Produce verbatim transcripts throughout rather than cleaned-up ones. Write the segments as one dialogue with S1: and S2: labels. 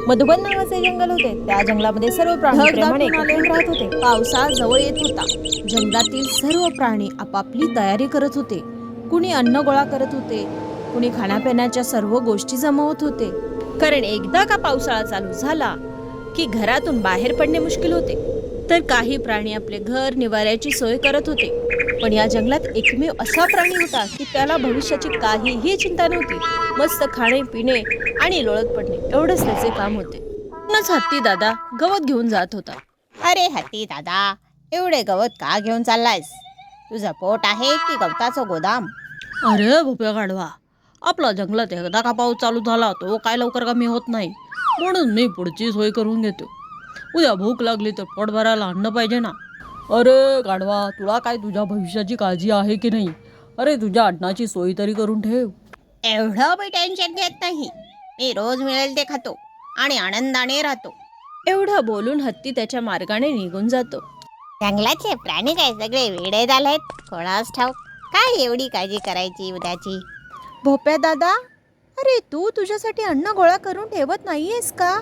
S1: मधुबन नावाचे जंगल होते. त्या जंगलामध्ये सर्व प्राणी प्रेमाने एकत्रित राहत होते. पावसाळा जवळ येत होता. जंगलातील सर्व प्राणी आपापली तयारी करत होते. कुणी अन्न गोळा करत होते, कुणी खाण्यापिण्याच्या सर्व गोष्टी जमवत होते. कारण एकदा का पावसाळा चालू झाला की घरातून बाहेर पडणे मुश्किल होते. तर काही प्राणी आपले घर निवाऱ्याची सोय करत होते. पण या जंगलात एकमेव असा प्राणी होता की त्याला भविष्याची काहीही चिंता नव्हती. मस्त खाणे पिणे आणि लोळत पडणे एवढंच त्याचे काम होते. म्हणूनच हत्ती दादा गवत घेऊन जात होता.
S2: अरे हत्ती दादा, एवढे गवत का घेऊन चाललायस? तुझं पोट आहे की गवताचं गोदाम?
S1: अरे भोप्या गाढवा, आपला जंगलात एकदा का पाऊस चालू झाला तो काय लवकर कमी होत नाही. म्हणून मी पुढची सोय करून घेतो. उद्या भूक लागली तर पोट भरायला अन्न पाहिजे ना. अरे गाढवा, तुला काय तुझ्या भविष्याची काळजी आहे की नाही? अरे तुझ्या अन्नाची सोय तरी करून ठेव.
S2: एवढं मी टेन्शन घेत नाही. मी रोज मिळेल ते खातो आणि आनंदाने राहतो.
S1: एवढं बोलून हत्ती त्याच्या मार्गाने निघून जातो.
S2: जंगलाचे प्राणी काय सगळे वेडे झालेत? कोणास ठाऊक काय एवढी काळजी करायची उद्याची.
S1: भोप्या दादा, अरे तू तुझ्यासाठी अन्न गोळा करून ठेवत नाहीयेस का?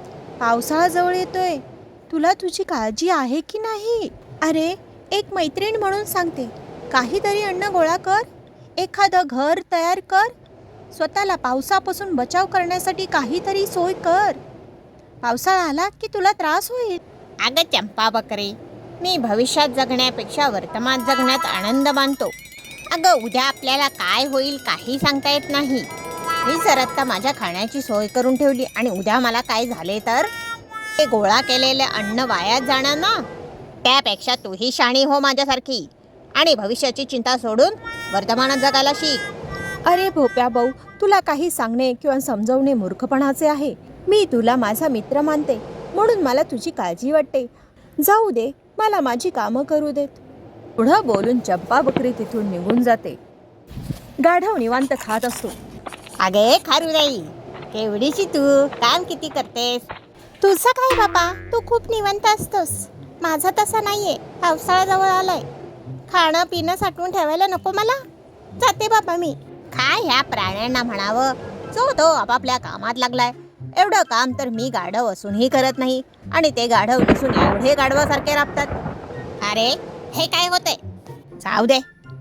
S1: पावसाळा जवळ येतोय, तुला तुझी काळजी आहे की नाही? अरे एक मैत्रीण म्हणून सांगते, काहीतरी अन्न गोळा कर, एखादं घर तयार कर, स्वतःला पावसापासून बचाव करण्यासाठी काहीतरी सोय कर. पावसाळा आला की तुला त्रास होईल.
S2: अगं चंपा बकरी, मी भविष्यात जगण्यापेक्षा वर्तमान जगण्यात आनंद मानतो. अगं उद्या आपल्याला काय होईल काही सांगता येत नाही. मी जर आत्ता माझ्या खाण्याची सोय करून ठेवली आणि उद्या मला काय झाले तर ते गोळा केलेले अन्न वायाच जाणार ना. त्यापेक्षा तूही शाणी हो माझ्यासारखी आणि भविष्याची चिंता सोडून वर्तमानात जगायला शिक.
S1: अरे भोप्या भाऊ, तुला काही सांगणे किंवा समजवणे मूर्खपणाचे आहे. मी तुला माझा मित्र मानते, म्हणून मला तुझी काळजी वाटते. जाऊ दे, मला माझी कामं करू देत. पुढं बोलून चंपा बकरी तिथून निघून जाते. गाढव निवांत खात असतो.
S2: अगे खारुराई, केवढीशी तू काम किती करतेस?
S1: तुझं काय बाबा, तू खूप निवांत असतोस. माझा तसा नाहीये. पावसाळा जवळ आलाय, खाणं पिणं साठवून ठेवायला नको मला. जाते बाबा मी.
S2: काय ह्या प्राण्यांना म्हणावं, जो तो आपापल्या कामात लागलाय. एवढं काम तर मी गाढव असूनही करत नाही आणि ते गाढव नसून एवढे गाढवासारखे राबतात. अरे हे काय होते? जाऊ दे.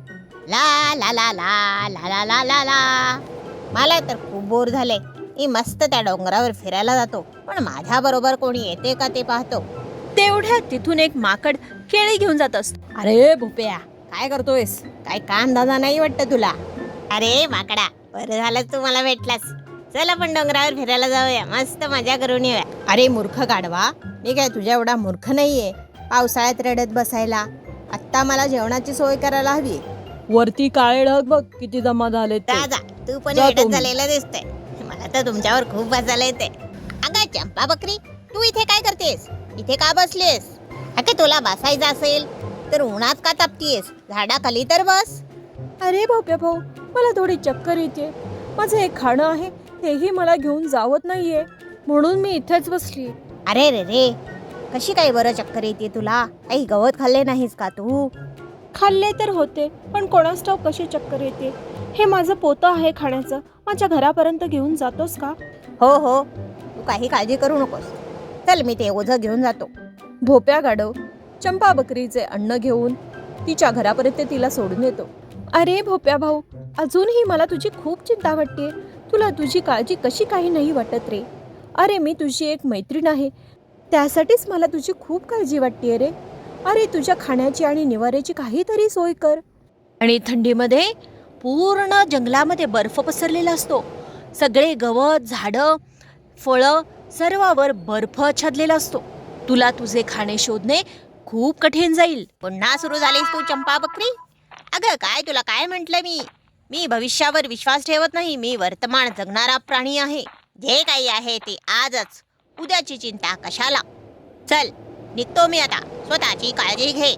S2: ला ला ला ला ला ला ला ला ला. मला तर खूप बोर झाले. मी मस्त त्या डोंगरावर फिरायला जातो, पण माझ्या बरोबर कोणी येते का ते पाहतो.
S1: तेवढ्यात तिथून एक माकड केळी घेऊन जात असतो.
S2: अरे भोप्या, काय करतोयस? काय काम दादा नाही वाटतं तुला? अरे माकडा, बरं झालं तू मला भेटलास. चल आपण डोंगरावर फिरायला जाऊया, मस्त मजा करून येऊया. अरे मूर्ख गाढवा, मी काय तुझ्या एवढा मूर्ख नाहीये पावसाळ्यात रडत बसायला. आत्ता मला जेवणाची सोय करायला हवी.
S1: वरती काळे ढग बघ किती जमा झाले.
S2: दादा तू पण
S1: जा
S2: रडत
S1: तुम्ही.
S2: झालेला दिसतंय. मला तर तुमच्यावर खूप बसायला येते. अगं चंपा बकरी, तू इथे काय करतेस? इथे का बसलीस? अगं तुला बसायचं असेल तर उन्हात का तापतीयस? झाडाखाली तर बस.
S1: अरे भोप्या भाऊ, मला थोडी चक्कर येते. माझं एक खाणं आहे, तेही मला घेऊन जावत नाहीये, म्हणून मी इथेच बसली.
S2: अरे रे रे, कशी काय बरं चक्कर येते तुला? काही गवत खाल्ले नाहीस का तू?
S1: खाल्ले तर होते, पण कोणास ठाऊक कशी चक्कर येते. हे माझं पोतं आहे खाण्याचं, माझ्या घरापर्यंत घेऊन जातोस का?
S2: हो हो, तू काही काळजी करू नकोस. चल मी ते ओझं घेऊन जातो.
S1: भोप्या गाढव चंपा बकरीचे अन्न घेऊन तिच्या घरापर्यंत तिला सोडून येतो. अरे भोप्या भाऊ, अजूनही मला तुझी खूप चिंता वाटते. तुला तुझी काळजी कशी काही नाही वाटत रे? अरे मी तुझी एक मैत्रीण आहे, त्यासाठीच मला तुझी खूप काळजी वाटते रे. अरे तुझ्या खाण्याची आणि निवाऱ्याची काहीतरी सोय कर. आणि थंडीमध्ये पूर्ण जंगलामध्ये बर्फ पसरलेला असतो. सगळे गवत, झाडं, फळं सर्वावर बर्फ छादलेला असतो. तुला तुझे खाणे शोधणे खूप कठीण जाईल.
S2: पुन्हा सुरू झालीस तू चंपा बकरी? अगं काय तुला काय म्हटलं मी? मी भविष्यावर विश्वास ठेवत नाही. मी वर्तमान जगणारा प्राणी आहे. जे काही आहे ते आजच. उद्याची चिंता कशाला? चल निघतो मी आता. स्वतःची काळजी घे.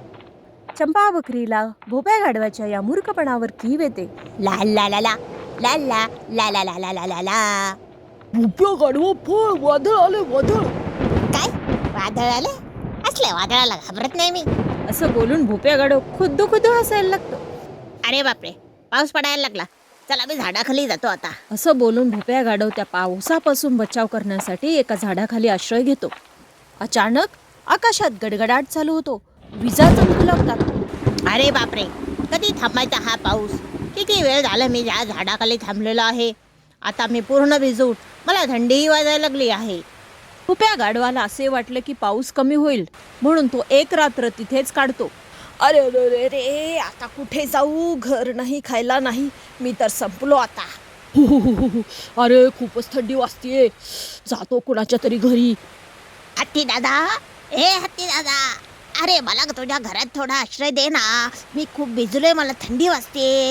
S1: चंपा बकरीला भोप्या गाढवाच्या या मूर्खपणावर कीव येते.
S2: ला ला ला ला ला ला ला ला ला ला ला ला ला.
S1: भोप्या गाढवा फळ, वादळ आले वादळ.
S2: काय वादळ आले? असल्या वादळाला घाबरत नाही मी.
S1: असं बोलून भोप्या गाढव खुद्दू खुद्दू हसायला लागतो.
S2: अरे बापरे, पाऊस पडायला लागला. चला मी झाडाखाली जातो आता.
S1: असं बोलून भोप्या गाढव त्या पावसापासून बचाव करण्यासाठी एका झाडाखाली आश्रय घेतो. अचानक आकाशात गडगडाट चालू होतो. विजा चमकू लागतात.
S2: अरे बापरे, कधी थांबायचा हा पाऊस? किती वेळ झाला मी या झाडाखाली थांबलेलो आहे. आता मी पूर्ण भिजून मला थंडीही वाजायला लागली आहे.
S1: भोप्या गाढवाला असे वाटले की पाऊस कमी होईल, म्हणून तो एक रात्र तिथेच काढतो. अरे अरे रे रे, आता कुठे जाऊ? घर नाही, खायला नाही, मी तर संपलो आता. हु, हु, हु, हु, हु. अरे खूपच थंडी वाजतीये, जातो कुणाच्या तरी घरी.
S2: हत्ती दादा, ए हत्ती दादा, अरे मला तुझ्या घरात थोडा आश्रय दे ना. मी खूप भिजलोय, मला थंडी वाजते.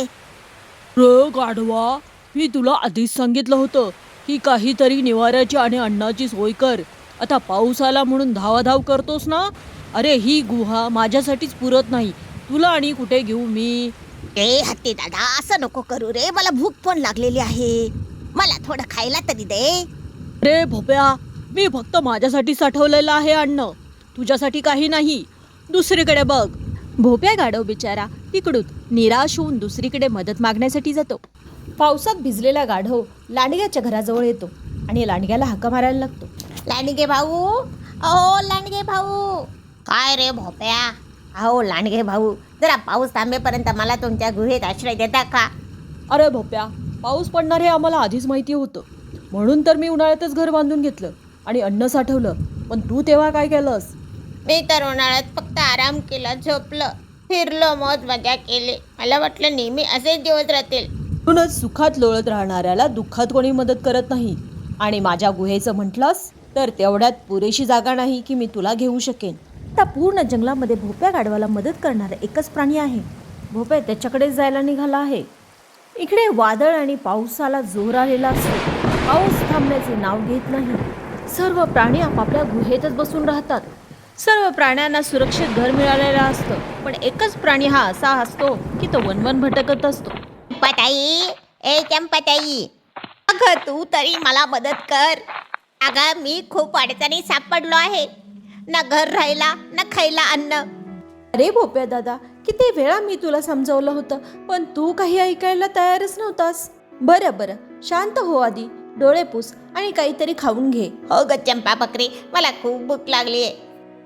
S1: रे गाढवा, मी तुला आधीच सांगितलं होतं की काहीतरी निवाऱ्याची आणि अन्नाची सोय कर. आता पाऊस आला म्हणून धावाधाव करतोस ना. अरे ही गुहा माझ्यासाठीच पुरत नाही, तुला आणि कुठे घेऊ मी?
S2: ए हत्ती दादा, असं नको करू रे, मला भूक पण लागलेली आहे. मला थोडं खायला तरी दे.
S1: रे भोप्या, मी फक्त माझ्यासाठी साठवलेलं आहे अन्न, तुझ्यासाठी काही नाही. दुसरीकडे बघ. भोप्या गाढव बिचारा तिकडून निराश होऊन दुसरीकडे मदत मागण्यासाठी जातो. पावसात भिजलेला गाढव लांडग्याच्या घराजवळ येतो आणि लांडग्याला हाका मारायला लागतो.
S2: लांडगे भाऊ, अहो लांडगे भाऊ. काय रे भोप्या? अहो लांडगे भाऊ, जरा पाऊस थांबेपर्यंत मला तुमच्या गुहेत आश्रय देता का?
S1: अरे भोप्या, पाऊस पडणार हे आम्हाला आधीच माहिती होतं, म्हणून तर मी उन्हाळ्यातच घर बांधून घेतलं आणि अन्न साठवलं. पण तू तेव्हा काय केलंस?
S2: मी तर उन्हाळ्यात फक्त आराम केला, झोपलं, फिरलो, मौज मजा केली. मला वाटलं नेहमी असेच दिवस राहतील.
S1: म्हणूनच सुखात लोळत राहणाऱ्याला दुःखात कोणी मदत करत नाही. आणि माझ्या गुहेचं म्हटलंस तर तेवढ्यात पुरेशी जागा नाही की मी तुला घेऊ शकेन. आता पूर्ण जंगलामध्ये भोप्या गाढवाला मदत करणारा एकच प्राणी आहे. भोप्या त्याच्याकडेच जायला निघाला आहे. इकडे वादळ आणि पावसाला जोर आलेला असतो. पाऊस थांबण्याचे नाव घेत नाही. सर्व प्राणी आपापल्या गुहेतच बसून राहतात. सर्व प्राण्यांना सुरक्षित घर मिळालेलं असतं, पण एकच प्राणी हा असा असतो की तो वनवन भटकत असतो.
S2: चंपाताई, ए चंपाताई, अगं तू तरी मला मदत कर. अगं मी खूप अडचणीत सापडलो आहे. ना घर राहिला, ना खायला अन्न.
S1: अरे भोप्या दादा, किती वेळा मी तुला समजावलं होतं, पण तू काही ऐकायला तयारच नव्हतास. बरं बरं, शांत हो आधी, डोळे पुस आणि काहीतरी खाऊन घे.
S2: हो ग चंपा बकरी, मला खूप भूक लागली आहे.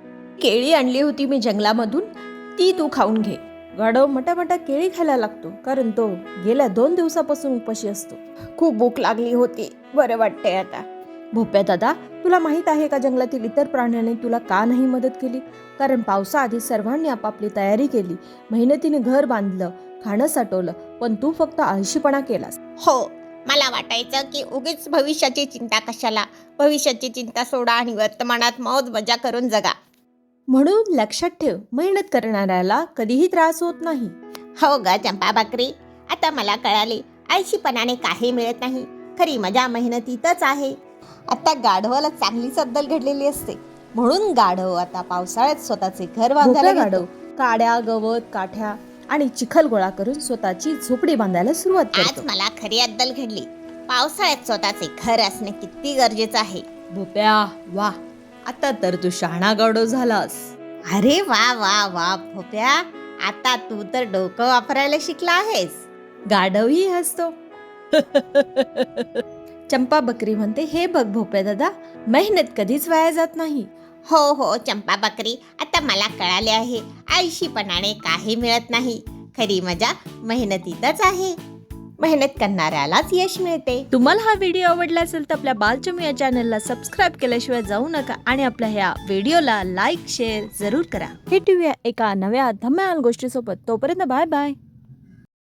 S1: केळी आणली होती मी जंगलामधून, ती तू खाऊन घे. गाढव मटामटा केळी खायला लागतो, कारण तो गेल्या दोन दिवसापासून उपाशी असतो.
S2: खूप भूक लागली होती, बरं वाटतंय आता.
S1: भोप्या दादा, तुला माहीत आहे का जंगलातील इतर प्राण्यांनी तुला का नाही मदत केली? कारण पावसाआधी सर्वांनी आपापली तयारी केली, मेहनतीने घर बांधलं, खाणं साठवलं, पण तू फक्त आळशीपणा केलास.
S2: हो, मला वाटायचं की उगीच भविष्याची चिंता कशाला. भविष्याची चिंता सोडा आणि वर्तमानात मौज मजा करून जगा.
S1: म्हणून लक्षात ठेव, मेहनत करणाऱ्याला कधीही त्रास होत नाही.
S2: हो ग चंपा बकरी, आता मला कळाले, आळशीपणाने काही मिळत नाही, खरी मजा मेहनतीतच आहे. आता गाढवाला चांगलीच अद्दल घडलेली असते, म्हणून गाढव आता पावसाळ्यात स्वतःचे घर बांधायला
S1: गाढव काड्या, गवत, काठ्या आणि चिखल गोळा करून स्वतःची झोपडी बांधायला सुरुवात
S2: आज
S1: करतो.
S2: मला खरी अद्दल घडली. पावसाळ्यात स्वतःचे घर असणे किती गरजेचं आहे.
S1: भोप्या, वा, आता तर तू शहाणा गाढव झालास.
S2: अरे वा वा वा भोप्या, आता तू तर डोकं वापरायला शिकला आहेस.
S1: गाढवही हसतो. चंपा बकरी म्हणते, हे बघ भोप्या दादा, मेहनत कधीच वाया जात नाही.
S2: हो हो चंपा बकरी, आता मला कळाले आहे, आळशीपणाने काही मिळत नाही, खरी मजा मेहनतीतच आहे. मेहनत करणाऱ्यालाच यश मिळते.
S1: तुम्हाला हा व्हिडिओ आवडला असेल तर आपल्या बालचमी या चॅनलला सबस्क्राईब केल्याशिवाय जाऊ नका आणि आपल्या ह्या व्हिडिओला लाईक शेअर जरूर करा. भेटूया एका नव्या धमाल गोष्टीसोबत. तोपर्यंत बाय बाय.